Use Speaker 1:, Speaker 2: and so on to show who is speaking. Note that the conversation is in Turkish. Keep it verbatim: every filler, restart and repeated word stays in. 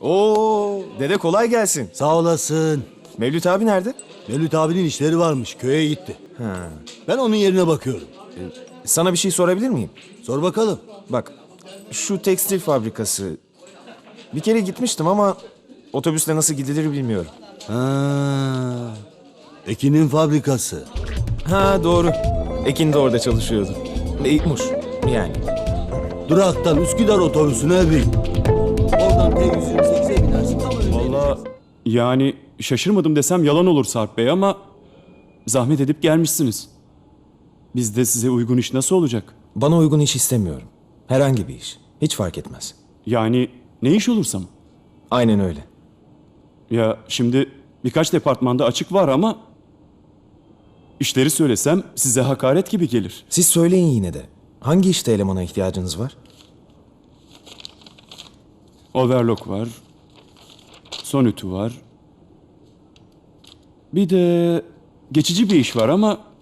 Speaker 1: Oo, dede kolay gelsin.
Speaker 2: Sağ olasın.
Speaker 1: Mevlüt abi nerede?
Speaker 2: Mevlüt abinin işleri varmış. Köye gitti. Ben onun yerine bakıyorum.
Speaker 1: Sana bir şey sorabilir miyim?
Speaker 2: Sor bakalım.
Speaker 1: Bak, şu tekstil fabrikası... Bir kere gitmiştim ama otobüsle nasıl gidilir bilmiyorum.
Speaker 2: Ha, Ekin'in fabrikası.
Speaker 1: Ha doğru. Ekin de orada çalışıyordu. İlkmuş yani.
Speaker 2: Duraktan Üsküdar otobüsüne bin. Oradan T yüz yirmi sekize binersin. Tam önünde.
Speaker 3: Vallahi yani şaşırmadım desem yalan olur Sarp Bey ama zahmet edip gelmişsiniz. Bizde size uygun iş nasıl olacak?
Speaker 1: Bana uygun iş istemiyorum. Herhangi bir iş. Hiç fark etmez.
Speaker 3: Yani ne iş olursam.
Speaker 1: Aynen öyle.
Speaker 3: Ya şimdi birkaç departmanda açık var ama işleri söylesem size hakaret gibi gelir.
Speaker 1: Siz söyleyin yine de. Hangi işte elemana ihtiyacınız var?
Speaker 3: Overlock var. Sonütü var. Bir de geçici bir iş var ama